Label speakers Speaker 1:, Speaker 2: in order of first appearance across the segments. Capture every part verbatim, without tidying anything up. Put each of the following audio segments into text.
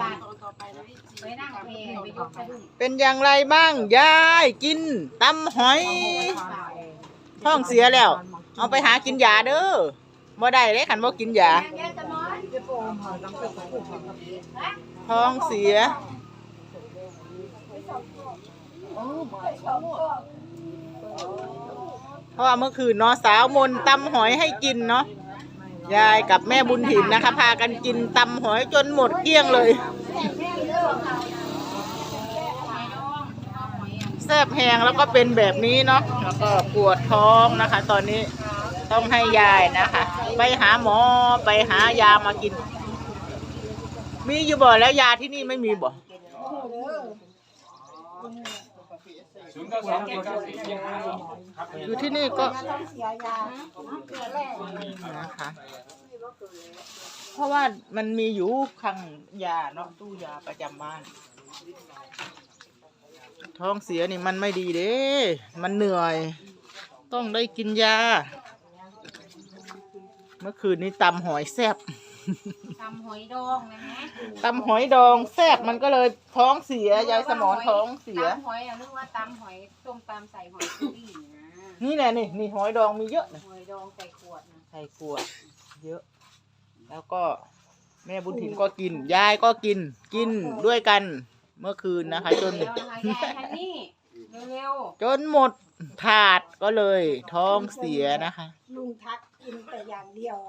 Speaker 1: ไปนั่งเพลงไปยกสะดุ้ง
Speaker 2: เป็นอย่างไรบ้างยายกินตำหอยท้องเสียแล้วเอาไปหากินยาเด้อบ่ได้เลยขันบ่กินยาท้องเสียเพราะว่าเมื่อคืนเนาะสาวมนตำหอยให้กินเนาะยายกับแม่บุญถิ่นนะคะพากันกินตำหอยจนหมดเกลี้ยงเลยแซ่บแห้งแล้วก็เป็นแบบนี้เนาะแล้วก็ปวดท้องนะคะตอนนี้ต้องให้ยายนะคะไปหาหมอไปหายามากินมีอยู่บ่แล้วยาที่นี่ไม่มีบ่อยู่ที่นี่ก็นะคะเพราะว่ามันมีอยู่คลังยาเนาะตู้ยาประจำบ้านท้องเสียนี่มันไม่ดีเด้มันเหนื่อยต้องได้กินยาเมื่อคืนนี้ตำหอยแซ่บ
Speaker 1: ตำหอยดองนะฮะ
Speaker 2: ตำหอยดองแซ่บมันก็เลยท้องเสียยายสมอนท้องเสีย
Speaker 1: ตำหอยอ่ะนึกว่าตำหอยต้มตำใส่หอยซูรี่นะ
Speaker 2: นี่แหละนี่นี่หอยดองมีเยอะนะ
Speaker 1: หอยดองใส่ขวดนะ
Speaker 2: ใส่ขวดเยอะแล้วก็แม่บุญถิ่นก็กินยายก็กินกินด้วยกันเมื่อคืนนะคะจนจนหมดถาดก็เลยท้องเสียนะคะ
Speaker 3: ลุงทักกินแต่อย่างเดียว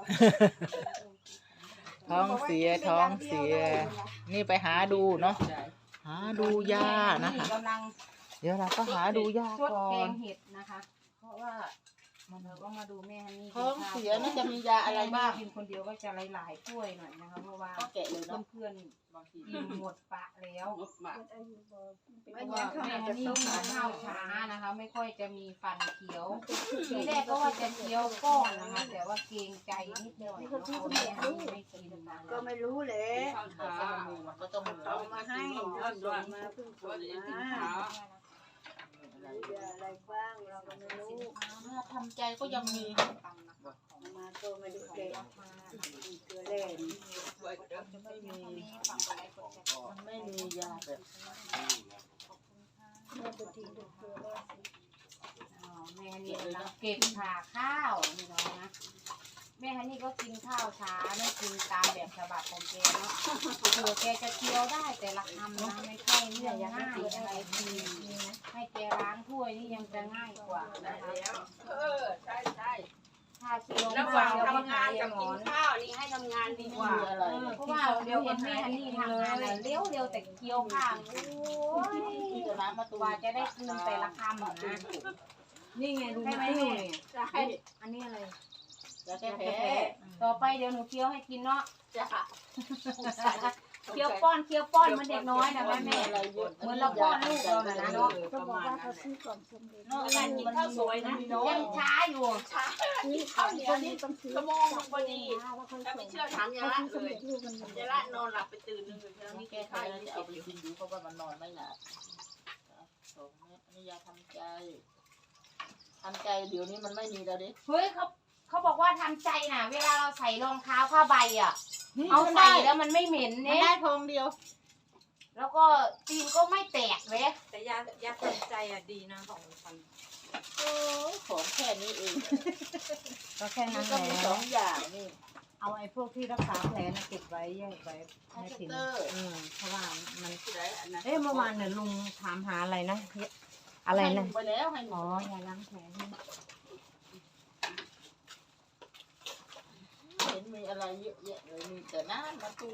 Speaker 2: ท้องเสียท้องเสียนี่ไปหาดูเนาะหาดูยานะคะเดี๋ยวเราก็หาดูยาก่อนแก
Speaker 1: งเห็ดนะคะเพราะว่าเราก็มาดูแม่นี่
Speaker 2: ท้องเสียนี่จะมียาอะไรบ้าง
Speaker 1: กินคนเดียวก็จะหลายๆถ้วยหน่อยนะคะเพราะว่าเพื่อนๆบางทีกินหมดปะแล้วเพราะว่าแม่นี่ข้าวช้านะคะไม่ค่อยจะมีฟันเคี้ยวทีแรกก็ว่าจะเคี้ยวก้อนนะคะแต่ว่าเกรงใจนิดหน่อยเขาคนแม่ไม่กินมา
Speaker 3: ก็ไม่รู้เลย
Speaker 2: ก็ต้อง
Speaker 3: เอามาให้มาเพิ่งส่งมาอะไรบ้างเราก็ไม่รู้
Speaker 2: ทำใจก็ยังมี
Speaker 3: มาตัวไม่ได้เก่งเกลือแร่
Speaker 2: ไม่มีมันไม่มียาแบบ
Speaker 3: แม่ตัวทีดูเกลือแร่
Speaker 1: แม่นี่เราเก็บผ่าข้าวนี่น้องนะแม่ฮันนี่ก็กินข้าวช้าไม่กินตามแบบฉบับของแกเนาะเผื่อแกจะเคี้ยวได้แต่ละคำนะไม่ใช่เรื่องง่ายอะไรทีให้แกล้างถ้วยนี่ยังจะง่ายกว่านะคะ
Speaker 4: เออใช่ใช่
Speaker 1: ถ้าเคี้ยว
Speaker 4: ระหว่างทำงานกับกินข้าวนี่ให้ทำงานดีกว่า
Speaker 1: เพราะว่าเดี๋ยวเห็นแม่ฮันนี่ทำงานเลี้ยวเร็วแต่เคี้ยวข้าวโอ้ยกว่าจะได้คืนแต่ละคำนะ
Speaker 4: นี่ไงดูไม่เนี่ย
Speaker 1: อันนี้อะไร
Speaker 2: จะแก้แพ้
Speaker 1: ต่อไปเดี๋ยวหนูเคี้ยวให้กินเนาะ
Speaker 4: จ้ะ
Speaker 1: เคี้ยวป้อนเคี้ยวป้อนมันเด็กน้อยนะแม่แม่เหมือนเราป้อนลูกเรานะเนาะ
Speaker 3: ก็บอกว่าเขาซื้อก่อนสมเด็จ
Speaker 4: การกินข้าวสวยนะ
Speaker 1: ยังช้าอยู่
Speaker 4: ช้ากินข้าวเหนียวนี่ชั่วโมงพอดีถ้าไม่เชื่อถามยาละเลยยาละนอนหลับไปตื่นนึงเลยแล้วนี่แกทาน
Speaker 2: จะเอาไปกินอยู่เพราะว่ามันนอนไม่หลับสองเม็ดนี่ยาทำใจทำใจเดี๋ยวนี้มันไม่มีแล้วดิ
Speaker 1: เฮ้ยเขาเขาบอกว่าทำใจน่ะเวลาเราใส่รองเท้าผ้าใบอ่ะเอาใส่แล้วมันไม่เหม็นเนี่ย
Speaker 2: ได้ทองเดียว
Speaker 1: แล้วก็ตีนก็ไม่แตกเลย
Speaker 4: แต่ยายาทำใจอ่ะดีนะของฉัน
Speaker 2: โอ้ของแค่นี้เอง
Speaker 1: ก็แค่นั้นแหละ
Speaker 2: สองอย่างนี่
Speaker 1: เอาไอ้พวกที่รักษาแผลนะเก็บไว้แยกไว้ให้ถึงอืมเพราะว่ามันเอ๊ะเมื่อวานเนี่ยลุงถามหาอะไรนะอะไรนะ
Speaker 2: ไปแล้วให้หม
Speaker 1: อยาล้างแผล
Speaker 2: เห็นมีอะไรเยอะแยะเลยมีแต่น้ำมาตู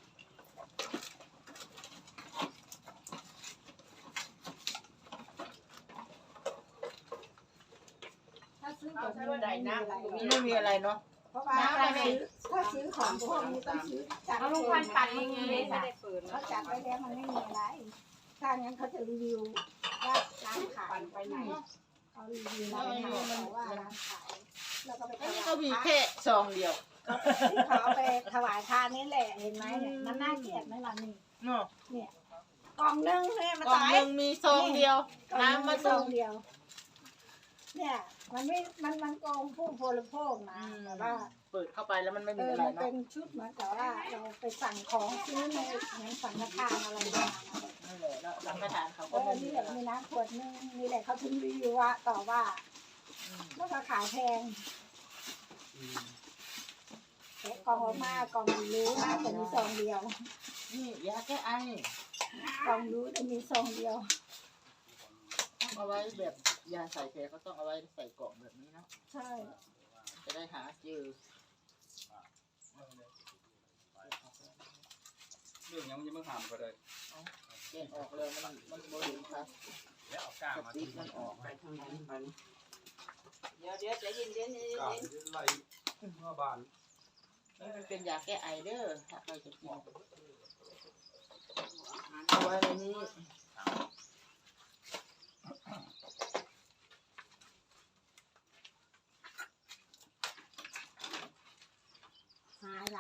Speaker 3: ถ้าซื้อของไม่ได้น้ำ
Speaker 2: ไม่มีอะไรเนาะ
Speaker 3: เพราะว่าถ้าซื้อของพวกนี้ต้องซื้อจัด
Speaker 1: เอาลูกพันปัดยังไง
Speaker 3: เขาจัดไปแล้วมันไม่มีอะไรถ้างั้นเขาจะรีวิวว่าร้านขายไปไหนเขารีวิวร้านขายว่าร้านขายแล้วก็ไป
Speaker 2: อันนี้ก็มีแค่ซองเดียว
Speaker 3: เขาไปถวายทานนี่แหละเห็นไหมเนี่ยมันน่าเกลียดไหมล่ะนี่เนี่ยกล่องนึงเนี่ยมัน
Speaker 2: กล่องนึงมีซองเดียวน้ำมา
Speaker 3: ซองเดียวเนี่ยมันไม่มันมันโกงผู้บริโภคนะแต่ว่า
Speaker 2: เปิดเข้าไปแล้วมันไม่
Speaker 3: เอ
Speaker 2: มี
Speaker 3: อ
Speaker 2: อะไร
Speaker 3: มันเป็
Speaker 2: เนาะ
Speaker 3: นชุดเหมือนกับว่าเราไปสั่งของซื้อในเหมือนสังฆทานอะไรมา
Speaker 2: นั่นแหละแล้วสังฆทานเขา
Speaker 3: เอ
Speaker 2: ก็
Speaker 3: อ
Speaker 2: ไม่มี
Speaker 3: นี่แห
Speaker 2: อะไร
Speaker 3: ละมีน้ำขวดนึงนี่แหละเขาถึงรีวิวว่าต่อว่า
Speaker 2: อืม
Speaker 3: แล้วก็ขายแพงแต่กล่องออกมากล่องรู้นะแต่มีซองเดียว
Speaker 2: นี่ยาแก้ไอก
Speaker 3: ล่องรู้แต่มีซองเดียว
Speaker 2: ต้องเอาไว้แบบยาใส่แผลก็ต้องเอาไว้ใส่กล่องแบบนี้เนาะ
Speaker 3: ใช่
Speaker 2: จะได้หาเจอ
Speaker 5: เรื่องยังยังไม่ผ่านก็ได้
Speaker 2: แกะออกเลยมันมันโมเห็นครับ
Speaker 5: แล้วเอาก้า
Speaker 2: ส
Speaker 5: มา
Speaker 2: ติ๊กมันออก
Speaker 5: ไปทางนั้นมัน
Speaker 4: เดี๋ยวเดี๋ยวใจเย็นเย็นเย็น
Speaker 5: ก้า
Speaker 4: เย็น
Speaker 5: ไล่เมื่อบาน
Speaker 2: นี่มันเป็นยาแก้ไอเด้อถ้าใครจะกินเอาไว้ในนี้